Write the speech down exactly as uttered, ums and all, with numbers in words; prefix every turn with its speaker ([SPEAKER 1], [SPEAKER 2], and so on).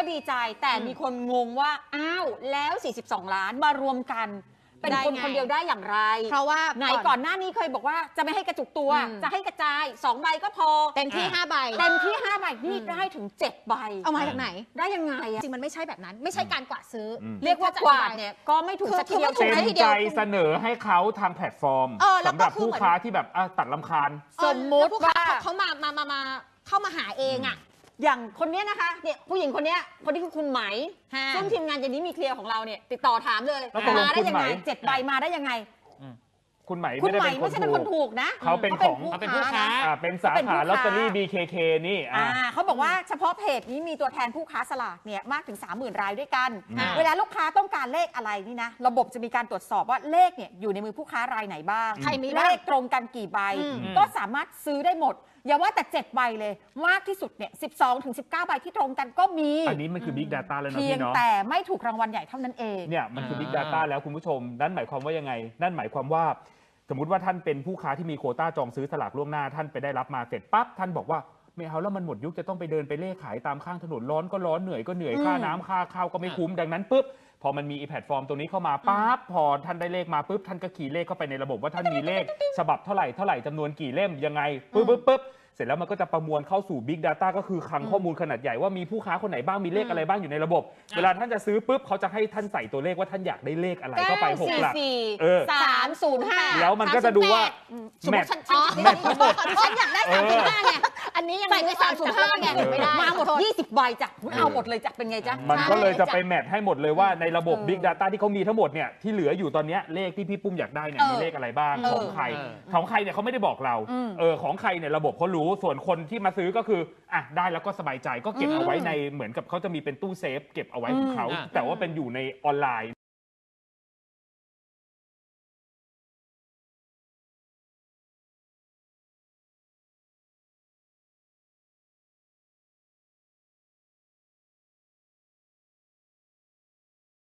[SPEAKER 1] ดีใจแต่มีคนงงว่าอ้าวแล้วสี่สิบสองล้านมารวมกันเป็นคนคนเดียวได้อย่างไร
[SPEAKER 2] เพราะว่า
[SPEAKER 1] ไหนก่อนหน้านี้เคยบอกว่าจะไม่ให้กระจุกตัวจะให้กระจายสองใบก็พอ
[SPEAKER 2] เต็มที่ห้าใบ
[SPEAKER 1] เต็มที่ห้าใบนี่ได้ถึงเจ็ดใบ
[SPEAKER 2] เอามาจากไหน
[SPEAKER 1] ได้ยังไง
[SPEAKER 2] จริงมันไม่ใช่แบบนั้นไม่ใช่การกวาดซื้อ
[SPEAKER 1] เรียกว่ากวาดเนี่ยก็ไม่ถูกสักทีเดียว
[SPEAKER 3] เต็มใจเสนอให้เขาทางแพลตฟอร์มสำหรับผู้ค้าที่แบบตัดรำคาญ
[SPEAKER 1] สมมุติว่า
[SPEAKER 2] เขามามามามาเข้ามาหาเองอ่ะ
[SPEAKER 1] อย่างคนนี้นะคะเนี่ยผู้หญิงคนนี้คนที่คือคุณไหมซึ่งทีมงานเจนนี้มีเคลียร์ของเราเนี่ยติดต่อถามเลยมาได้ยังไงเจ็ดใบมาได้ยังไง
[SPEAKER 3] คุณไหม
[SPEAKER 1] คุณไหมไม่ใช่เป็นคนถูกนะ
[SPEAKER 3] เขาเป็นของ
[SPEAKER 1] เขาเป็นผู้ค้า
[SPEAKER 3] เป็นสาขาลอตเตอรี่ บี เค เค นี่
[SPEAKER 1] เขาบอกว่าเฉพาะเพจนี้มีตัวแทนผู้ค้าสลากเนี่ยมากถึง สามหมื่น รายด้วยกันเวลาลูกค้าต้องการเลขอะไรนี่นะระบบจะมีการตรวจสอบว่าเลขเนี่ยอยู่ในมือผู้ค้ารายไหนบ้าง
[SPEAKER 2] ใครมี
[SPEAKER 1] เลขตรงกันกี่ใบก็สามารถซื้อได้หมดอย่าว่าแต่เจ็ดใบเลยมากที่สุดเนี่ยสิบสองถึงสิบเก้าใบที่ตรงกันก็มี
[SPEAKER 3] อันนี้มันคือ Big Data แล้วนะ
[SPEAKER 1] พี่เนาะแต่ไม่ถูกรางวัลใหญ่เท่านั้นเอง
[SPEAKER 3] เนี่ยมันคือ Big Data แล้วคุณผู้ชมนั่นหมายความว่ายังไงนั่นหมายความว่าสมมุติว่าท่านเป็นผู้ค้าที่มีโควต้าจองซื้อสลากล่วงหน้าท่านไปได้รับมาเสร็จปั๊บท่านบอกว่าไม่เอาแล้วมันหมดยุคจะต้องไปเดินไปเล่ขายตามข้างถนนร้อนก็ร้อนเหนื่อยก็เหนื่อยค่าน้ำค่าข้าวก็ไม่คุ้มดังนั้นปุ๊บพอมันมีแพลตฟอร์มตรงนี้เข้ามาปั๊บพอท่านได้เลขมาปุ๊บท่านก็ขี่เลขเข้าไปในระบบว่าท่านมีเลขฉบับเท่าไหร่เท่าไหร่จำนวนกี่เล่มยังไงปุ๊บปุ๊บปุ๊บเสร็จแล้วมันก็จะประมวลเข้าสู่ Big Data ก็คือคลังข้อมูลขนาดใหญ่ว่ามีผู้ค้าคนไหนบ้างมีเลขอะไรบ้างอยู่ในระบบเวลาท่านจะซื้อปุ๊บเขาจะให้ท่านใส่ตัวเลขว่าท่านอยากได้เลขอะไรเข้าไปหกหลัก
[SPEAKER 1] สามศูนย์ห้า
[SPEAKER 3] แล้วมันก็จะดูว่า
[SPEAKER 2] แมทแมททั้งหมดฉันอยากได้สามศูนย์ห้าไงอันนี้ยังใส่ไปสามศูนย์ห้าไงไม่ได้
[SPEAKER 1] มาหมดยี่สิบใบจ้ะเอาหมดเลยจ้ะเป็นไงจ๊ะ
[SPEAKER 3] มันก็เลยจะไปแมทให้หมดเลยว่าในระบบ Big Data ที่เขามีทั้งหมดเนี่ยที่เหลืออยู่ตอนนี้เลขที่พี่ปุ้มอยากได้เนี่ยมีเลขอะไรบ้างของใครของใครเนี่ยเขาไม่ได้บอกเราเออของใครเนี่ยระบบเขารู้ส่วนคนที่มาซื้อก็คืออ่ะได้แล้วก็สบายใจก็เก็บเอาไว้ในเหมือนกับเขาจะมีเป็นตู้เซฟเก็บเอาไว้ของเขาแต่ว่าเป็นอยู่ในออนไลน์